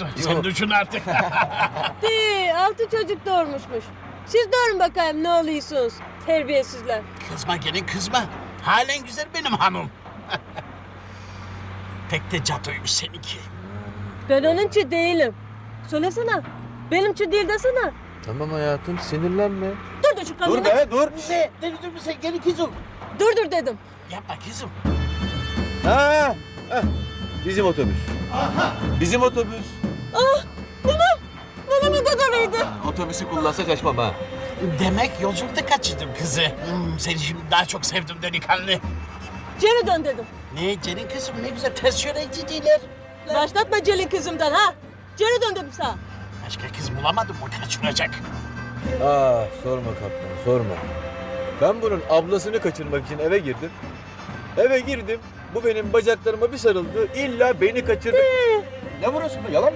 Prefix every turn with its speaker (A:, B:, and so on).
A: oldu. Sen düşün artık.
B: De, 6 çocuk doğurmuşmuş. Siz doğurun bakayım ne oluyorsunuz terbiyesizler.
A: Kızma gelin kızma. Halen güzel benim hanım. Pek de cadıymış seninki.
B: Ben onunki değilim. Söylesene. Benimki değil desene.
C: Tamam hayatım sinirlenme.
B: Dur da şu kamerayı.
C: Dur be dur.
A: Ne? Ne dur sen gelin kızım.
B: Dur dedim.
A: Yapma kızım.
C: Ha, heh, bizim otobüs. Bizim otobüs.
B: Nenemin gagarıydı.
C: Otobüsü kullansa kaçmam ha.
A: Demek yolculukta kaçırdım kızı. Seni şimdi daha çok sevdim delikanlı.
B: Geri dön dedim.
A: Ne Celin kızım ne güzel ters yöne gidiyorlar.
B: Başlatma Celin kızımdan ha. Geri dön dedim sana.
A: Başka kız bulamadım mı kaçıracak?
C: Sorma kaptan sorma. Ben bunun ablasını kaçırmak için eve girdim. Eve girdim. Bu benim bacaklarıma bir sarıldı. İlla beni kaçırdı. Ne burası be? Yalan mı?